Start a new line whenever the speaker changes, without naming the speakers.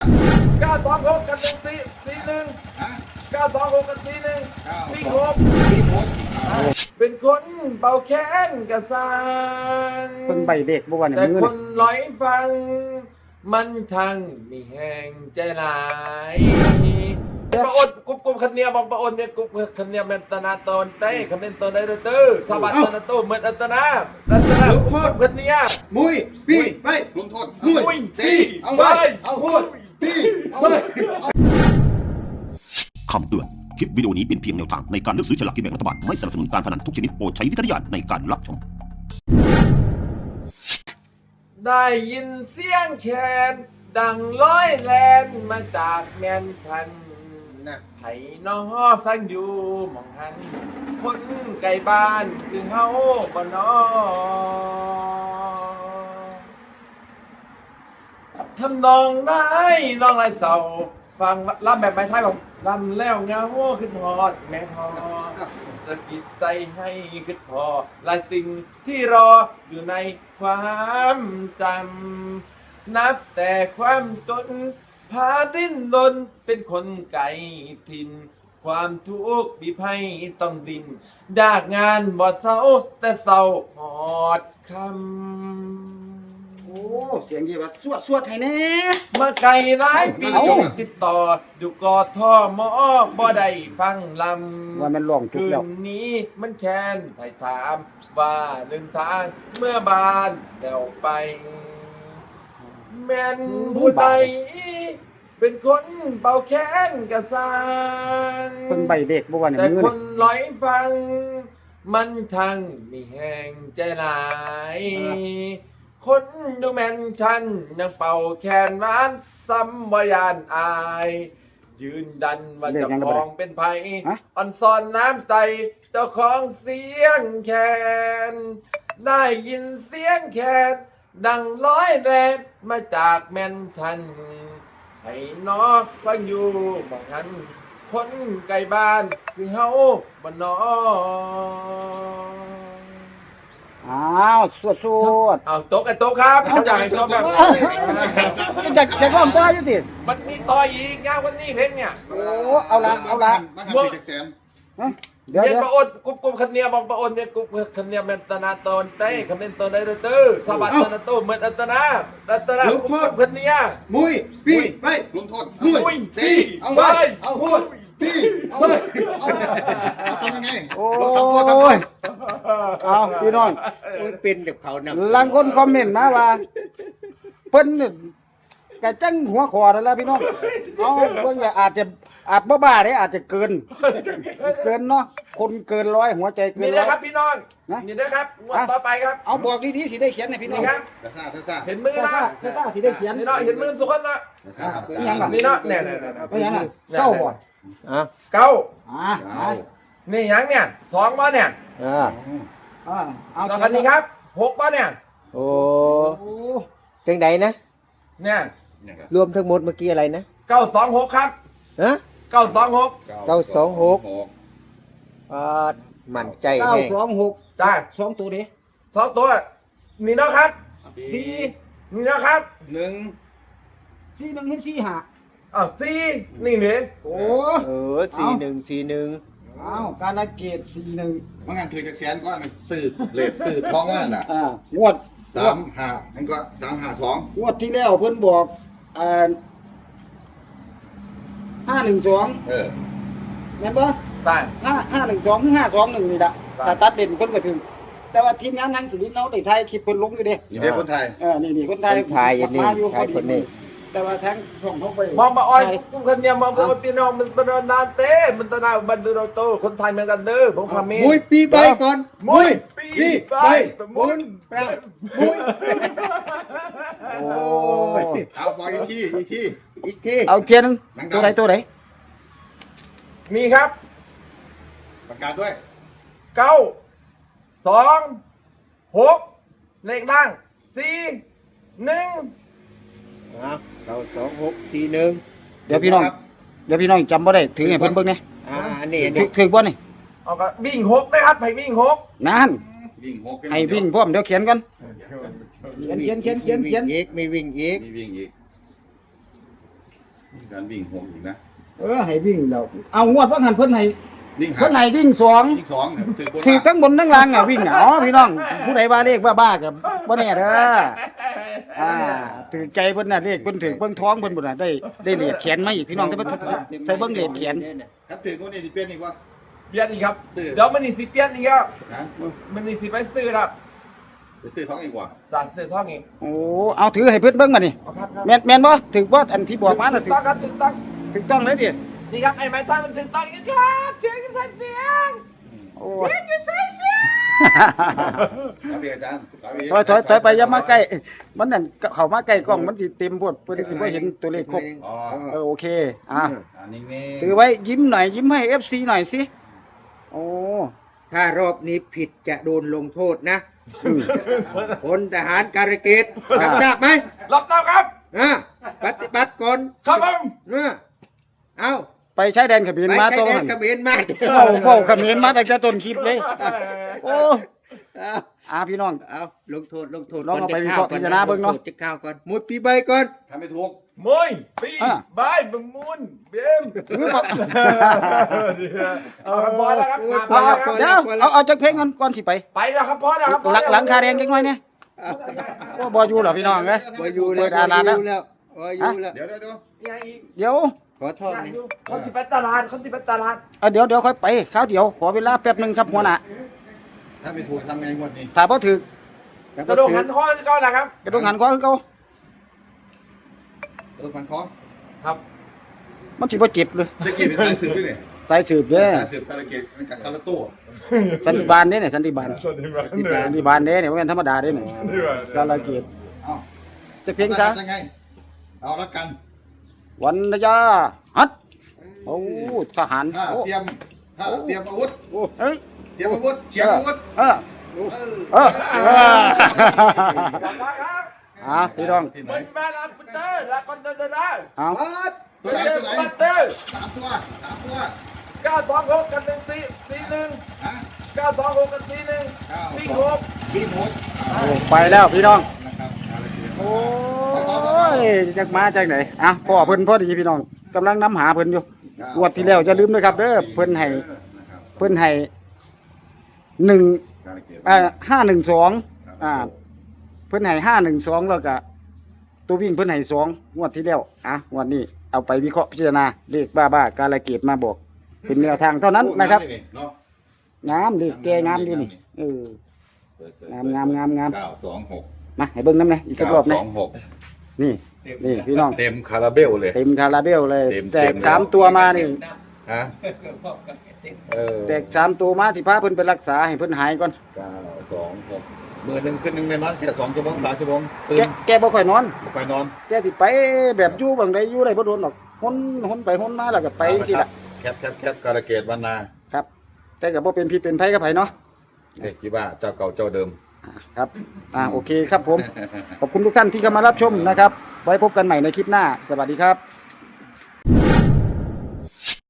926กับ141926กับ41วิ่งหกเป็นคนเป่าแค้นกระซัง
คนใบเล็กบ่ว่าเนี่ย
แต่
มือ
ค
น่ะ
นร้อยฟัง มันทั้งมีแห่งใจหลายประอดกุบคันเนียบอกประอดเนี่ยกุบคันเนียมันตนาตนเต้คำเป็นตนได้เด้อถ้าบัตรตนาโตเหมือนอัตนาลัตนากุบคันเนีย
มุยพี่ไปลงโทษมุยตีเอาไปเอามุยตีเอาไป
คำเตือน คลิปวิดีโอนี้เป็นเพียงแนวทางในการเลือกซื้อฉลากกินแบ่งรัฐบาล ไม่สนับสนุนการพนันทุกชนิดโปรดใช้วิจารณญาณในการรับชม
ได้ยินเสียงแคนดังร้อยแลนมาจากแมนทันไผ่น้อสังอยู่มองหันคนไกลบ้านคือเฮาบ่นอทำนองได้น้องไรเสาฟังลำแบบไม้ไทยบอกลำแล้วเงาขึ้นพอดแม่พอสะกิดใจให้ขึ้นพอหลายสิ่งที่รออยู่ในความจำนับแต่ความจนพาดิ้นรนเป็นคนไกลถิ่นความทุกข์บีบให้ต้องดิ้นยากงานบ่เศร้าแต่เศร้าหอดคำ
โอ้เสียงดีว่าสวดให้แน่
มาไกลหลายปีติดต่ออยู่กอท่อมอบ่ได้ฟังลำ
ว่ามันร้องทุก
คื
แล้ว
นนี้มันแค้นไถ่ถามว่าหนึ่งทางเมื่อบานเดี่ยวไป แม่นผู้ใดเป็นคนเป่าแค้นกระซัง
คนใบเล็กบ่ว่าเนี่ย
แต่
มือ
ค
น่ะ
นร้อยฟัง มันทั้งมีแห่งใจหลาย คนดูแมนชันยังเป่าแคนร้านซ้ำวายานอาย ยืนดันว่าเจ้าของเป็นไผ่อ่อนซอนน้ำใจเจ้าของเสียงแคนได้ยินเสียงแคนดังร้อยแรงมาจากแมนชันให้น้อฟังอยู่บางทันคนไกลบ้านคือเฮาบ้านน้อ
อ้าวสวด
เอาโต๊ะไอ้โต๊ะครับจ่ายโต๊ะแบบ
จะร้องต่ออยู่ติ
มันมีต่ออีกงานวันนี้เพลงเนี่ย
โอ้เอาละ
บ้านปีกแสน
ฮะเดี๋ยว
เรียน
เดี๋ยว
ประอดกุบคันเนียบอกประอดเนี่ยกุบคันเนียมันตนาตนเต้คำเป็นตนได้เด้อถ้าบัตรตนาโตเหมือนอัตนาลัตนากุบคันเนีย
มุยพี่ไปลงโทษมุยตีเอาไปเอามุยตีเอาไปทำยังไง
โอ้
ลงทำตัวทำไง
ยเอาพี่น้อง
เป็นเด็กเขาน
หลังคนคอมเมนต์มาว่าเพิ่นนี่กะจังหัวคอนั่นแหละพี่น้องเอาเพิ่นก็อาจบ่บ้าเด้อาจจะเกินเนาะคนเกินร้อยหัวใจเกิ
นี่
นร้
นะ
อย
ครับพี่น้องนี่นะครับงวดต่อไปครับ
เอาบอกดีๆสิได้เขียนให้พี่น้อ
นี่
ง
ครับ
ทซ่าทซ่า
เห็นมือนะ
ซ่าสิได้เขียน
นี่เนาะเห็นมือสุกคนนะ
ทซ่า
นี่เนาะเนี่ย
ว่าหยังน่ะเก้าบ่
ำอ่ะ
เก้า
อ่า
นี่ยังเนี่ยสองบ่เนี่ย
อ่า
เอา
ต่อกันนี้ครับหกบ่เนี่ย
โอ้
โอ้
จังใดนะ
เนี่ย
รวมทั้งหมดเมื่อกี้อะไรนะ
926ครับ
ฮะ
926
อ่ามั่นใจ
เก้า
แน่
สองหก
จ้า
สองตัวเด้
สองตัวนี่เนาะครับ
สี่
นี่เนาะครับ
หนึ่ง
สี่หนึ่งเห็นสี่ห้า
สี่นี่เนี่ย
โอ้
4141
เอาการละเกตสี่หนึ่ง
ว่างานถือจากแสนก็สืบเลทสืบท้องว่าน่ะ
งวด
35นั่นก็352
งวดที่แล้วเพิ่นบอก512แม่นบ่
ได้
512คือ521นี่ล่ะถ้าตัดเด่นเพิ่นก็ถึง แต่ว่าทีมงานทางสุรินทร์เนาะได้ถ่ายคลิปเพิ่นลงอยู่เด้
อยู่ในคนไทย
นี่คนไทย
คนไทยอันนี้
มาอยู่
ไทยคนนี้
แต่ว่าทางช่องเขาไป
มองมาอ่อนกุ้งคนเดียวมองมาตีน้องมันเป็นนานเต้มันตนาบันดูเราโตคนไทยเหมือนกันเด้อผมพามี
มุยปีใบก่อน
มุยปีไปมุน
มุย
โอ้
เอาบอกอีกทีอีกที
อีกที
เอาเกียร์หนึงตัวไหน
มีครับ
ประกาศด้วย
9 2 6เลขนั่ง4 1
อ่ะ92641
เดี๋ยวพี่น้องจำบ่ได้ถือให้เพิ่นเบิ่งแหน่
อันนี้
ถือบ่นี่
เอาก็วิ่ง6นะครับให้วิ่ง6
นั่น
วิ่งหก
ให้วิ่งพร้อมเดี๋ยวเขียนกันเขียน
อีกมีวิ่งอีก
มีวิ่งอีกการวิ่งหกอีกนะ
ให้วิ่งแล้วเอางวดว่าหันเพิ่นให้
วิ่ง
เพิ่นให้วิ่งสอง
วิ่งสองถือบน
ถือทั้งบนทั้งล่างอ่ะวิ่งอ่ะอ๋อพี่น้องผู้ใดว่าเลขบ้าๆกับบ่แน่เด้อถือใจเพิ่นน่ะเลขเพิ่นถือเบิ่งท้องเพิ่นบ่น่ะได้เหรียญแขนมาอีกพี่น้องแต่ว่าใส่เบิ่งเหรียญแขน
ครับถือคนนี้ที่เป็นอีกวะ
เปลี่ยนอีกครับ
ซื้อ
เดี๋ยวมันนี่สิเปลี่ยนอีกแล้ว
นะ
มันนี่สิไปซื้อครับ
ไปซื้อท้องอีกวะ
จากซื้อท่องอีก
โอ้เอาถือให้เพิ่นเบิ่งมานี่
เอาครับครับ
แม่นบ่ถือบ่อันที่บอกมาน่ะ
ถู
ถื
ก
อ
ต้องครับถูกต้อง
ถูกต้องเลยดิ
นี่ครับไอ้ไม้ท่ามันถูกต้องอีกครับเสียงกันใส่เสียง
โอ้
เสียงอยู่ใส่เสียง
ครับพี่อาจารย์
ถอยไปอย่ามาใกล้มันนั่นเข้ามาใกล้กล้องมันสิเต็มโพดเพิ่นสิบ่เห็นตัวเลขครบ
อ๋อ
โอเค
นิ่งๆ
ถือไว้ยิ้มหน่อยยิ้มให้ FC หน่อยสิโอ้
ถ้ารอบนี้ผิดจะโดนลงโทษนะพลทหารการเกตรับทราบไหม
รับทราบครับ
ปฏิบัติก่อน
ครับผม
เอา
ไปใช้แดนเขมร
ไป
มา
ใช้
ตรง
แด
นั้น น
เขมรมา
เว้าเขมรมาตั้งแต่ต้นคลิปเลยโอ้พี่น้อง
เอาลงโทษ
ลองเอาไปวิเคราะห์พิจารณาเบิ่งเนาะ
จะข้าวก่อนหมดปีใบก่อน
ทำไม่ถูก
มวยปีบายบึงมูนเบม
ถือบ่
เอาครับพอแล้วครับ
พอแล้วพอ
เดี๋ยวเอาจักเพลงก่อนสิไป
ไปแล้วครับพอแล้วครับ
หลังคาแดงจักหน่อยเนี่ยโอ้บ่อยู่เหรอพี่น้องเอ้ย
บ่อยู่แล้ว
เปิดอ่านแล้ว
บ่อยู่แล้ว
เดี๋ยว
ยังอีก
เดี๋ยว
ขอโทษ
ยัง
นี่
อยู่คนสิไปตลาดคนสิไปตลาด
เดี๋ยวค่อยไปคราวเดียวขอเวลาแป๊บหนึงครับหัวหน้า
ถ้าไม่ถูกทำไงงวดนี้
ถ้าบ่ถึก
กระโดดหันห้องก็แหละครับ
กระดงหันขวาคือเก่า
รถฟังคอ
ครับ
มันสิบ่เจ็บเลย
ตะกี้เป็นสายสืบด้วยนี่
สายสืบเด้อ
สายสืบการเกตมันกับคาราโต้
สันติบาลเด้เนี่ยสันติบาล
สวัสดีครับเหนื่อย
สันติบาลเด้เนี่ยบ่แม่นธรรมดาเด้เนี่ยกาลเกต
เอ้า
จักเพลงซะ
ยังไงเอาละกัน
วันนยาฮัดโอ้ทหาร
ถ้า
โอ้
เตรียมอาวุธ
เฮ้ย
เตรียมอาวุธเฉียงอาวุธ
เออพี่น้อง
ที่ไหน
มันมาลาฟุตเตอร์ลาคอนเตอร์ได้
เอา
ตัวไหน
ฟุตเตอร์
สามตัว
926กัน141
ฮะ
926กัน41วิ่งหก
วิ่งหก
ไปแล้วพี่น้อง
นะครับการเกต
โอ้ยจากมาจากไหนพ่อเพิ่นพอดีพี่น้องกำลังนำหาเพิ่นอยู่งวดที่แล้วจะลืมนะครับเด้อเพิ่นให้1
การเกต
512เพิ่นให้512แล้วก็ตัววิ่งเพิ่นให้2งวดที่แล้วงวดนี้เอาไปวิเคราะห์พิจารณาเลขบ้าๆกาลเกตมาบอกเป็นแนวทางเท่านั้นนะครับ งามดิแกงามดินี่งาม
926
มาให้เบิ่งน้ำหน่อยอีกสักรอบนะ
926
นี่พี่น้อง
เต็มคาราเบลเลย
เต็มคาราเบลเลย
เต็ม
แตก3ตัวมานี่
ฮะ
แตก3ตัวมาสิพาเพิ่นไปรักษาให้เพิ่นหายก่อน
926มือหนึ่งขึ้นหนึ่งในนั้นแค่2 ชั่วโมง 3 ชั่วโมงตื่น
แกบ่ค่อยนอน
ไปนอน
แกสิไปแบบอยู่บางใดอยู่ได้บ่โดนหรอกหนไปหนมาแล้วก็ไปจังซี่ล่ะ
แคปการะเกตวันนา
ครับ แต่ก็บ่เป็นพิษเป็นภัยกับไผเนาะ
เด็กกี่ว่าเจ้าเก่าเจ้าเดิม
ครับโอเคครับผม ขอบคุณทุกท่านที่เข้ามารับชมนะครับ ไว้พบกันใหม่ในคลิปหน้า สวัสดีครับ